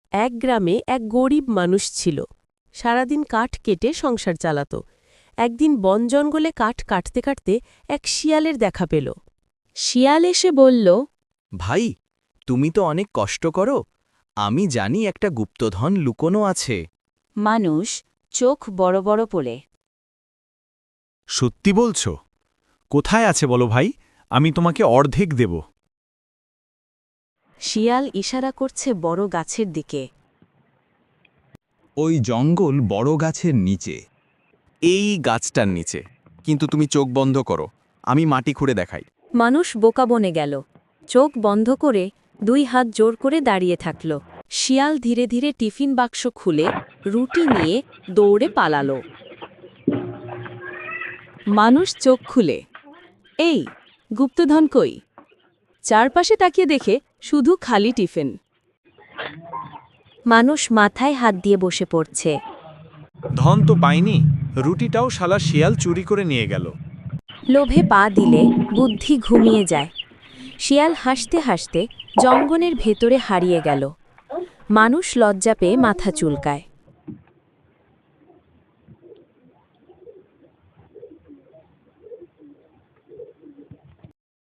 এক গ্রামে এক গরিব মানুষ ছিল। সারাদিন কাঠ কেটে সংসার চালাত। একদিন বন জঙ্গলে কাঠ কাটতে কাটতে এক শিয়ালের দেখা পেল। শিয়াল এসে বলল, ভাই, তুমি তো অনেক কষ্ট করো। আমি জানি একটা গুপ্তধন লুকোনো আছে। মানুষ চোখ বড় বড় করে। সত্যি বলছ? কোথায় আছে বলো ভাই, আমি তোমাকে অর্ধেক দেব। শিয়াল ইশারা করছে বড় গাছের দিকে। ওই জঙ্গল বড় গাছের নিচে। এই গাছটার নিচে। কিন্তু তুমি চোখ বন্ধ করো, আমি মাটি খুঁড়ে দেখাই। মানুষ বোকা বনে গেল। চোখ বন্ধ করে 2 হাত জোর করে দাঁড়িয়ে থাকল। শিয়াল ধীরে ধীরে টিফিন বাক্স খুলে রুটি নিয়ে দৌড়ে পালালো। মানুষ চোখ খুলে, এই গুপ্তধন কই? চারপাশে তাকিয়ে দেখে শুধু খালি টিফিন। মানুষ মাথায় হাত দিয়ে বসে পড়ছে। ধন তো পাইনি, রুটিটাও শালা শিয়াল চুরি করে নিয়ে গেল। লোভে পা দিলে বুদ্ধি ঘুমিয়ে যায়। শিয়াল হাসতে হাসতে জঙ্গলের ভেতরে হারিয়ে গেল। মানুষ লজ্জা পেয়ে মাথা চুলকায়।